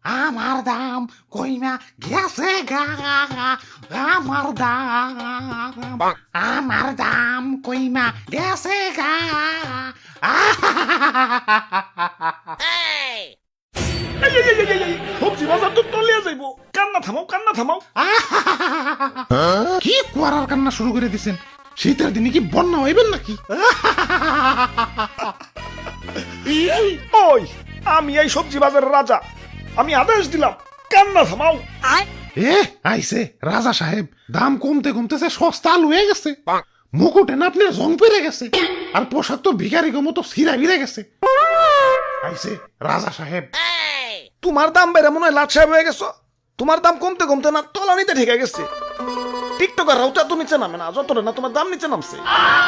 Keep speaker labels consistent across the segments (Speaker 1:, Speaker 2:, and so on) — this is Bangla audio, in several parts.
Speaker 1: আমার দাম কইমা গেছে গা, আমার দাম কইমা গেছে গা।
Speaker 2: সবজি বাজার তো তলিয়া যাইবো, কান্না থামাও।
Speaker 1: কি কুয়ারার কান্না শুরু করে দিছেন? শীতের দিনে কি বন্যা হইবেন নাকি?
Speaker 2: ওই আমি এই সবজি বাজারের রাজা, আমি আদেশ দিলাম কান্না থামাও।
Speaker 1: এ আইছে রাজা সাহেব, দাম কমতে কমতেছে সস্তা আলু হয়ে গেছে, মুকুটে না আপনার জং পেরে গেছে, আর পোশাক তো ভিখারি মতো সিরা বিরে গেছে। আইছে রাজা সাহেব।
Speaker 2: তোমার দাম বেড়ে মনে হয় লাট সাহেব হয়ে গেছো। তোমার দাম কমতে কমতে না তলানিতে ঠেকে গেছে। টিকটকার রাউটা তো নিচে নামে না, যতটা না তোমার দাম নিচে নামছে।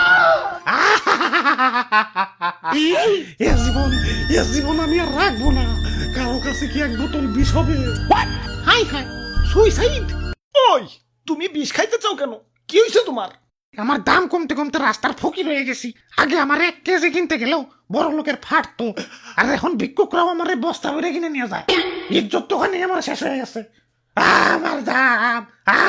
Speaker 1: এ জীবন আমি আর রাখবো না। কারো কাছে কি এক বোতল বিষ হবে? হাই হাই, সুইসাইড।
Speaker 2: ওই তুমি বিষ খাইতে চাও কেন? কি হয়েছে তোমার?
Speaker 1: আমার দাম কমতে কমতে রাস্তার ফকির হয়ে গেছি। আগে আমার 1 কেজি কিনতে গেলেও বড় লোকের ফাটতো, আর এখন ভিক্ষুকরাও আমার বস্তা ভরে কিনে নিয়ে যায়। ইজ্জত তো ওখানে আমার শেষ হয়ে গেছে। আমার দাম।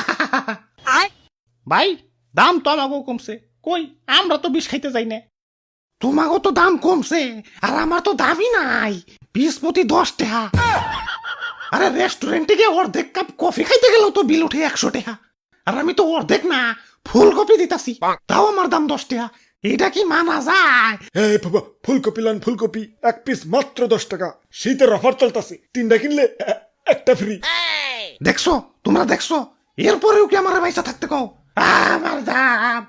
Speaker 1: ভাই, দাম তো আমাকেও কমছে, কই আমরা তো বিষ খাইতে যাই না। তোমাকেও তো দাম কমছে, আর আমার তো দামই নাই। 20 প্রতি 10 টাকা। আরে রেস্টুরেন্টে গিয়ে অর্ধেক কাপ কফি খাইতে গেলেও তো বিল উঠে 100 টাকা, আর আমি তো অর্ধেক না ফুলকপি দিতাছি, তাও আমার দাম 10 টাকা। এটা কি মানা যায়?
Speaker 2: এই বাবা, ফুলকপি লান, ফুলকপি 1 পিস মাত্র 10 টাকা। শীতের অফার চলতেছে, 3টা কিনলে একটা ফ্রি।
Speaker 1: দেখছো, তোমরা দেখছো, এরপরেও কি আমার পয়সা থাকতে কও? আমার দাম।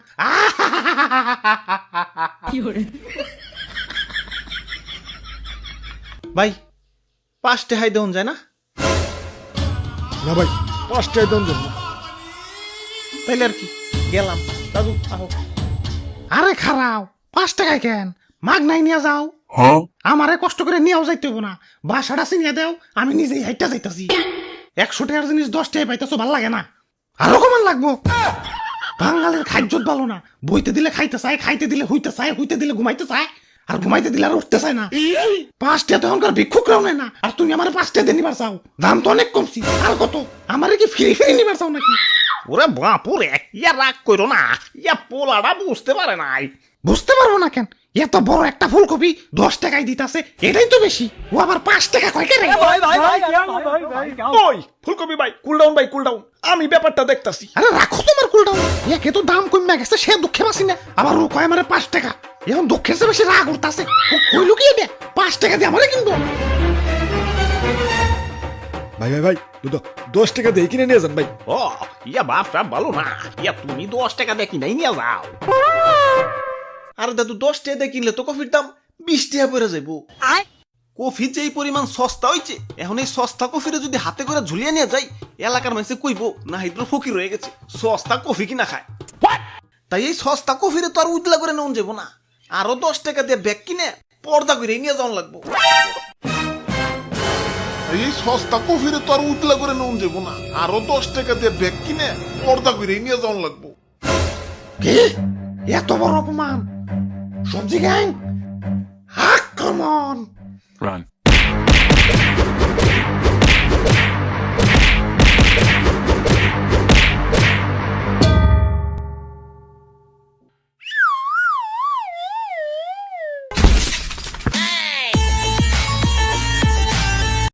Speaker 3: ভাই 5 টাকাই দেন যায় না?
Speaker 2: না ভাই, 5 টাকা দাম দেন না।
Speaker 3: তাইলে আর কি, গেলাম। দাদু আহো।
Speaker 1: আরে খারাও, 5 টাকায় কেন? মাগ নাই নিয়ে যাও। আমারে কষ্ট করে নিয়েও যাইতে হবো না, বাসাটা চিনিয়ে দেও, আমি নিজেই হাইটা যাইতাছি। 100 টাকার জিনিস 10 টাকায় পাইতেছো, ভাল লাগে না? আরো কমান লাগবো। বাঙালির খাদ্যত ভালো না, বইতে দিলে খাইতে চায়, খাইতে দিলে হইতে চায়, হইতে দিলে ঘুমাইতে চায়, আর ঘুমাইতে দিলে আর উঠতে চায় না। 5 টাকা তো এখনকার ভিক্ষুকরাও নেয় না, আর তুমি আমার 5 টাকা দিয়ে নিবার চাও? দাম তো অনেক কমছি। আর কত? আমারে কি ফ্রি ফ্রি নিবার চাও নাকি?
Speaker 3: ওরে বাপুরে, ইয়া রাগ করো না, ইয়া পোলাটা বুঝতে পারে নাই।
Speaker 1: বুঝতে পারবো না কেন? এত বড় একটা ফুলকপি 10 টাকায় দিতাছে, এটাই তো বেশি। ও আবার 5 টাকা কয় কেন?
Speaker 2: ওই ফুলকপি ভাই, কুল ডাউন ভাই, কুল ডাউন। আমি ব্যাপারটা দেখতাছি।
Speaker 1: আরে রাখো তোমার কুলটাও। একে তো দাম কমে গেছে, সে দুঃখে বাসি না, আবার ও কয় আমারে 5 টাকা। এখন দুঃখের চেয়ে বেশি রাগ উঠতাছে। কইলো কি এটা? 5 টাকা দিয়ে আমারে কিনবো?
Speaker 2: ভাই, দুটো 10 টাকা দিয়ে কিনে নিয়ে যান ভাই।
Speaker 3: ও ইয়া বাপটা ভালো না, ইয়া তুমি 10 টাকা দিয়ে কিনাই নিয়ে যাও। আরে দাদু 10 টাকা দিয়ে কিনলে তো কফির দাম 20 টাকা পড়ে যাইবো। কফি যে এই পরিমাণ সস্তা হইছে, এখন এই সস্তা কফিরে যদি হাতে করে ঝুলিয়ে নিয়ে যাই, এলাকার মানুষে কইবো না হাইদ্র ফকির হয়ে গেছে, সস্তা কফি কিনা খায়। তাই এই সস্তা কফিরে তো আর উজলা করে নেওয়া যাবো না, আরো 10 টাকা দিয়ে ব্যাগ কিনে পর্দা করে নিয়ে যাওয়া লাগবো।
Speaker 4: এই সস্তা কফিরে তো আর উতলা করে নুন যাবো না, আরো 10 টাকা দিয়ে ব্যাগ কিনে পর্দা করে নিয়ে যাওয়ান লাগবো।
Speaker 1: কি? এত বড় অপমান? সবজি গ্যাং, আক্রমণ!
Speaker 5: Run.